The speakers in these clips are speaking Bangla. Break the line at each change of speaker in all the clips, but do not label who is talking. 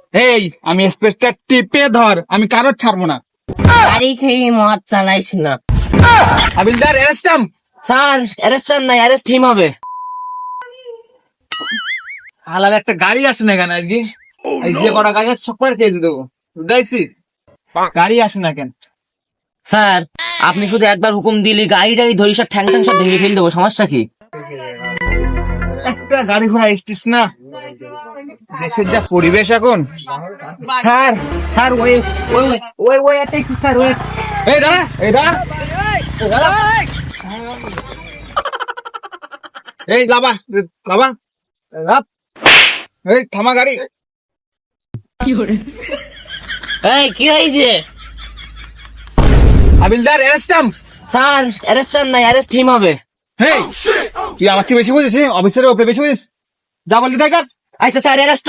এই আমি স্পেসটা টিপে ধর, আমি কারোর ছাড়বো না।
গাড়ি খেয়ে মদ চালাইস না।
হাবিলদার অ্যারেস্টাম।
স্যার অ্যারেস্ট নাই, অ্যারেস্ট হিম হবে।
হালার একটা গাড়ি আসে না কেন আজকে? এই যে কটা গাড়ি আছে সব করে খেয়ে দেবো, বুঝাইছি? গাড়ি আসে না কেন?
স্যার আপনি শুধু একবার হুকুম দিলি গাড়ি টাড়ি ধরি সব ঠ্যাং ঠ্যাং সব ভেঙে ফেল দেবো, সমস্যা কি?
একটা গাড়ি ঘোড়া এসছিস না, দেশের যা পরিবেশ এখন।
স্যার স্যার ওই ওই ওই ওই একটা একটু স্যার ওই
এই দাঁড়া, এই দাঁড়া, এই দাঁড়া। এই লাবা লাবা লাব। এই থামা গাড়ি।
এই কি হয়েছে?
হাবিলদার অ্যারেস্টাম।
স্যার অ্যারেস্ট নাই, অ্যারেস্ট হিম হবে।
হেই, তুই আমার চেয়ে বেশি বুঝিস? অফিসারের ওপরে বেশি বুঝিস? যা বললি তাই কর।
আচ্ছা স্যার অ্যারেস্ট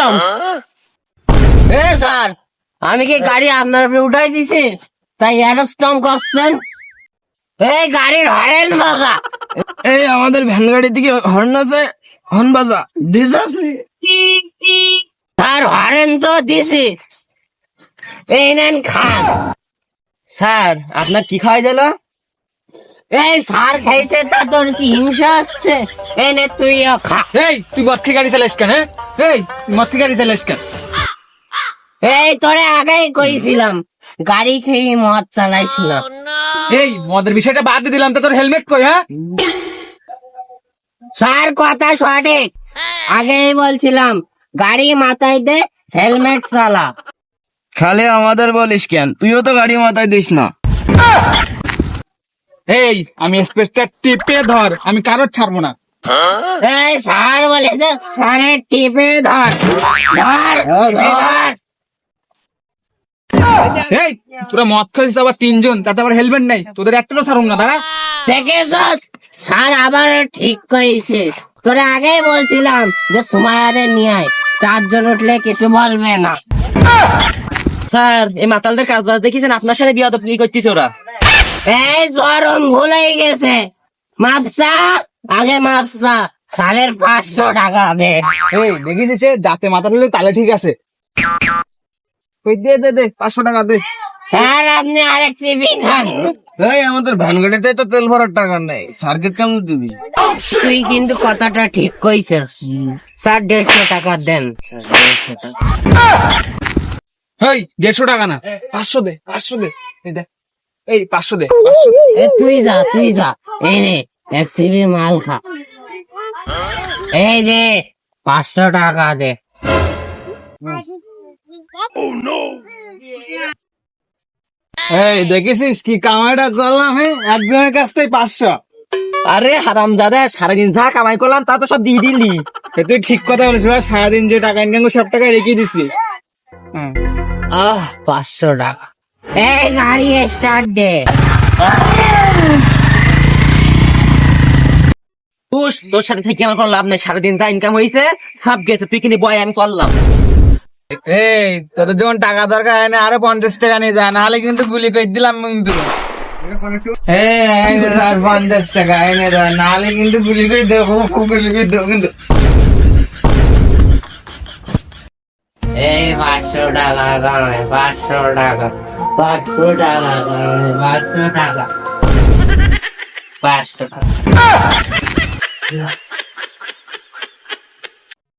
এ স্যার আমি কি গাড়ি আপনার উপরে উঠাই দিছি তাই অ্যারেস্ট করছেন? এই গাড়ির হরেন বাজা।
এই আমাদের ভ্যান গাড়ির দিকে হর্ন আছে, হর্ন বাজা দিদাসি।
স্যার হরেন তো দিছি, এই নেন খান। স্যার আপনার কি খাওয়া গেল? এই স্যার খাইতে তা তোর কি হিংসা আসছে? এই নে তুইও খা।
এই তুই মদ খেয়ে গাড়ি চালাইস কেন? এই তুই মদ খেয়ে গাড়ি চালাইস কেন?
এই তোরে আগেই কইছিলাম গাড়ি খেয়ে মদ চালাইস না।
এই মদের বিষয়টা বাদ দিয়ে দিলাম, তা তোর হেলমেট কই? হ্যাঁ,
স্যার কথা সঠিক, আগেই বলছিলাম গাড়ি মাথায় দে হেলমেট চালা।
খালি আমাদের বলিস কেন? তুইও তো গাড়ি মাথায় দিস না।
এই আমি স্পেসটা টিপে ধর, আমি কারোর ছাড়বো না।
এই স্যার বলেছে স্যারের টিপে ধর ধর ধর।
এই তোরা মদ খাইছিস আবার তিনজন, তাতে আবার হেলমেট নাই, তোদের একটাও ছাড়ুন না। দাঁড়া,
দেখেছস স্যার আবার ঠিক কইছে, তোরা আগেই বলছিলাম যে সুমায়ারে নিয়ে আয়, চারজন উঠলে কিছু বলবে না। স্যার এই মাতালদের কাজ বাজ দেখেছেন? আপনার সাথে বিয়াদবি করতেছে ওরা। এই চরম ভুল হয়ে গেছে, মাপসা আগে মাপসা, সালের 500 টাকা দে।
এই দেখিস সে যাতে মাথা তুলে তাহলে ঠিক আছে। ওই দে দে দে 500 টাকা দে।
স্যার আপনি আরেক সিবি খান।
এই আমাদের ভ্যান গাড়িতে তো তেল ভরার টাকা নেই, সার্কিট কেমন দিবি?
তুই কিন্তু কথাটা ঠিক কইছিস। স্যার 150 টাকা দেন।
এই 150 টাকা না, 500 দে, 500 দে। এই দে, এই 500 দে, 500 দে।
এ তুই যা এই নে এক সিবি মাল খা। এই দে 500 টাকা দে।
এই দেখেছিস কি কামাইটা করলাম? হ্যাঁ, একজনের কাছ থেকে 500।
আরে হারামজাদা, সারাদিন যা কামাই করলাম তা তো সব দিয়ে দিলি।
এ তুই ঠিক কথা বলিস ভাই, সারাদিন যে টাকা ইনকাম করে সব টাকা রেখে দিছি। হ্যাঁ।
500 টাকা। এই গাড়ি স্টার্ট দে। তোর সাথে থেকে আমার কোনো লাভ নেই, সারাদিন যা ইনকাম হয়েছে সব গেছে, তুই কিনে বয় আমি করলাম।
এই তোদের যখন টাকা দরকার হয় না, আরো 50 টাকা নিয়ে যা, নাহলে কিন্তু গুলি করে দিলাম কিন্তু। এই 50 টাকা এনে ধর, নাহলে কিন্তু গুলি করে দেবো, গুলি করে দেবো কিন্তু।
এই 500 টাকা কামাই, 500 টাকা, 500 টাকা কামাই, 500 টাকা, 500 টাকা।